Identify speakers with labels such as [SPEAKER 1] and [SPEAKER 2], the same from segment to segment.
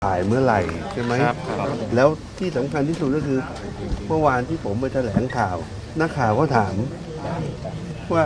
[SPEAKER 1] ถ่ายเมื่อไหร่ใช่ไหมแล้วที่สำคัญที่สุดก็คือเมื่อวานที่ผมไปแถลงข่าวนักข่าวก็ถามว่า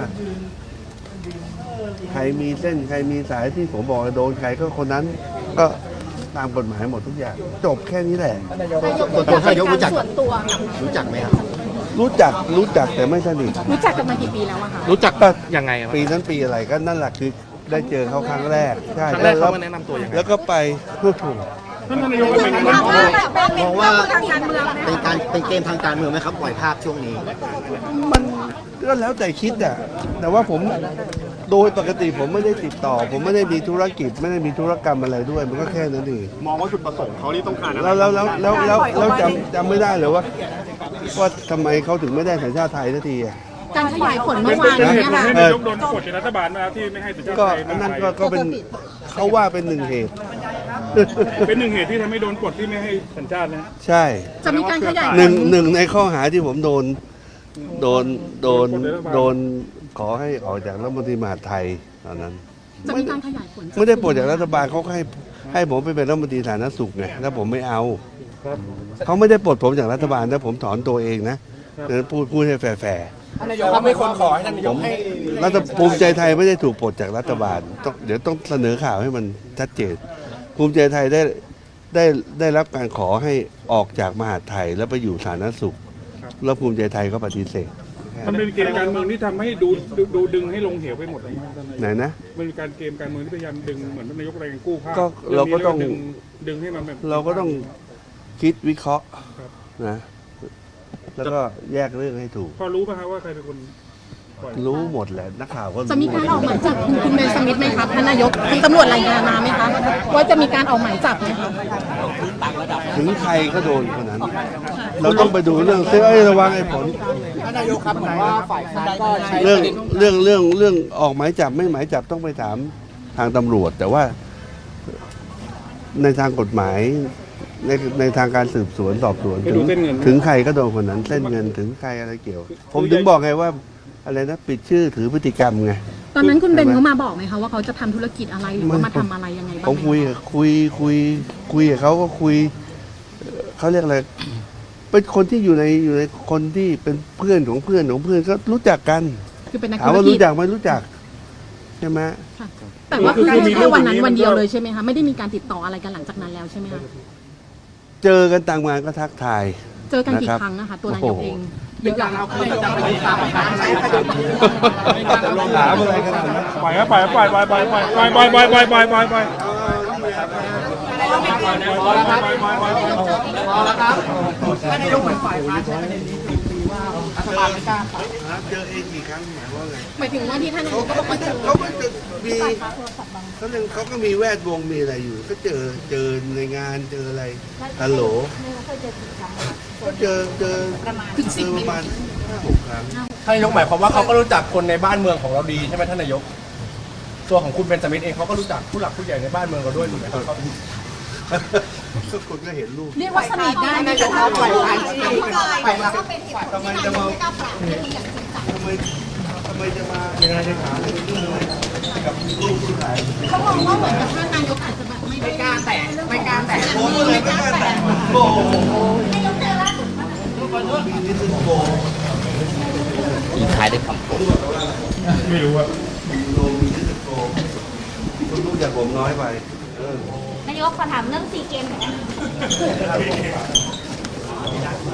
[SPEAKER 1] ใครมีเส้นใครมีสายที่ผมบอกโดนใครก็คนนั้นก็ตามกฎหมายหมดทุกอย่างจบแค่นี้แหละ
[SPEAKER 2] ตัวท่านนายกรู้จักไหมครับ
[SPEAKER 1] รู้จักแต่ไม่สนิท
[SPEAKER 3] รู้จักกันมากี่ปีแล้วอะคะ
[SPEAKER 4] รู้จักยังไง
[SPEAKER 1] ปีนั้นปีอะไรก็นั่นแหละคือได้เจอเขาครั้งแรกใช่
[SPEAKER 4] ครั้งแรกเขามาแนะนำตัวยังไง
[SPEAKER 1] แล้วก็ไปพูดถูก
[SPEAKER 2] ท่านนายกมองว่าเป็นเกมทางการเมืองไหมครับปล่อยภาพช่วงนี้
[SPEAKER 1] มันก็แล้วแต่คิดอ่ะแต่ว่าผมโดยปกติผมไม่ได้ติดต่อผมไม่ได้มีธุรกิจไม่ได้มีธุรกรรมอะไรด้วยมันก็แค่นั้นเอง
[SPEAKER 2] มองว่าจุดประสงค์เขาที่ต้องการอะไร
[SPEAKER 1] แล้วจำไม่ได้เลยว่าทำไมเขาถึงไม่ได้สัญชาติไทยสักทีอ่ะ
[SPEAKER 3] การขยายผลเมื่อวานนี้ค่ะ
[SPEAKER 5] นายกโดนกดจากรัฐบาลมาที่ไม่ให้สัญชาติไทย
[SPEAKER 1] นั่นก็เป็นเขาว่าเป็นหนึ่งเหตุ
[SPEAKER 5] เป็นหนึ่งเหตุที่ทำให้โดนกดที่ไม่ให้สัญชาตินะ
[SPEAKER 1] ใช่
[SPEAKER 3] จะมีการขยาย
[SPEAKER 1] หนึ่งในข้อหาที่ผมโดนขอให้ออกจากรัฐมนตรีมหาดไทยตอนนั้น
[SPEAKER 3] จะมีการขยายผล
[SPEAKER 1] ไม่ได้ปลดจากรัฐบาลเขาให้ผมไปเป็นรัฐมนตรีสาธารณสุขไงแล้วผมไม่เอาเขาไม่ได้ปลดผมจากรัฐบาลนะผมถอนตัวเองนะพูดให้แฟร์
[SPEAKER 4] นายกเขาไม่คนขอให้ท่านนายกให้
[SPEAKER 1] รัฐภูมิใจไทยไม่ได้ถูกปลดจากรัฐบาลเดี๋ยวต้องเสนอข่าวให้มันชัดเจนภูมิใจไทยได้รับการขอให้ออกจากมหาดไทยแล้วไปอยู่สาธารณสุขแล้วภูมิใจไทยก็ปฏิเสธ
[SPEAKER 5] มันเป็นเกมการเมืองที่ทำให้ดูดึงให้ลงเหวไปหมดเลย
[SPEAKER 1] ไหนนะ
[SPEAKER 5] มันเป็นการเกมการเมืองที่พยายามดึงเหมือนนายกอะไรกันกู้ภาพ
[SPEAKER 1] เราก็ต้อง
[SPEAKER 5] ดึงให้มันแบบ
[SPEAKER 1] เราก็ต้องคิดวิเคราะห์นะแล้วก็แยกเรื่องให้ถูก
[SPEAKER 5] พอรู้ป่ะครับว่าใครเป็นคน
[SPEAKER 1] รู้หมดแหละนักข่าวก็
[SPEAKER 3] จะมีการออกหมายจับคุณเบนสมิธไหมครับท่านนายกคุณตำรวจรายงานมาไหมคะว่าจะมีการออกหมายจับไหมคะ
[SPEAKER 1] ถึงใครก็โดนคนนั้นเราต้องไปดูเรื่องระวังไอ้ผล
[SPEAKER 2] ท่านนายกครับเหมือนว่าฝ่ายค้านก็ใช้
[SPEAKER 1] เรื่องออกหมายจับไม่หมายจับต้องไปถามทางตำรวจแต่ว่าในทางกฎหมายในทางการสืบสวนสอบสวนถึงใครก็โดนคนนั้นเส้นเงินถึงใครอะไรเกี่ยวผมถึงบอกไงว่าอะไรนะปิดชื่อถือพฤติกรรมไง
[SPEAKER 3] ตอนนั้นคุณเบนเขามาบอกไหมคะว่าเขาจะทำธุรกิจอะไรหรือว่ามาทำอะไรยังไงบ้าง
[SPEAKER 1] ผมคุยกับเขาก็คุยเขาเรียกอะไรเป็นคนที่อยู่ในคนที่เป็นเพื่อนของเพื่อนก็รู้จักกัน
[SPEAKER 3] คือเป็นนักธุ
[SPEAKER 1] รกิจถามว่ารู้จักไหมรู้จักใช่ไหม
[SPEAKER 3] แต่ว่าคือแค่วันนั้นวันเดียวเลยใช่ไหมคะไม่ได้มีการติดต่ออะไรกันหลังจากนั้นแล้วใช่ไหมคะ
[SPEAKER 1] เจอกันต่างงานก็ทักทาย
[SPEAKER 3] เจอกันกี่ครั้งนะคะตัวนายกเอง
[SPEAKER 2] เยอะเราเคยจะไปตามการใช้คดี
[SPEAKER 1] ถามอะไรกัน
[SPEAKER 5] ปล่อยครับปล่อยพอ
[SPEAKER 2] แล้วครับท่านนายกเหมือนฝ่ายค้านใช้ประเด็นนี้คุยว่ารัฐบาลไม่กล้า
[SPEAKER 1] เจอเองกี่ครั้งหมายว่าไง
[SPEAKER 3] หมายถึงว่าที่ท่านนายกก็บอกว่า
[SPEAKER 1] เขาก็จะมีเขาก็มีแวดวงมีอะไรอยู่ก็เจอในงานเจออะไรฮัลโหลก็เจอประมาณ5-6 ครั้ง
[SPEAKER 4] ท่านนายกหมายความว่าเขาก็รู้จักคนในบ้านเมืองของเราดีใช่ไหมท่านนายกตัวของคุณเบนจามินเองเขาก็รู้จักผู้หลักผู้ใหญ่ในบ้านเมืองเราด้วยถูกไหมครับ
[SPEAKER 1] ก็คนก็เห็นรูป
[SPEAKER 3] เรียกว่าสนิทได้
[SPEAKER 2] นายกปล่อยผ่านไปแล้ว
[SPEAKER 1] ทำไมจะมายังไงจะถามกับลูกผู้ชาย
[SPEAKER 3] เขามองว่าเหมือนกับท่านนายกอาจจะแบบไม่กล้าแตะ
[SPEAKER 1] ผมเลยไม่กล้าแตะโอ้โห
[SPEAKER 2] ทิ้งท้ายด้วยคำพูด
[SPEAKER 5] ไม่รู้ว่า
[SPEAKER 1] คุณรู้จักผมน้อยไป
[SPEAKER 6] นายกขอถามเรื่องซีเกมหน่อย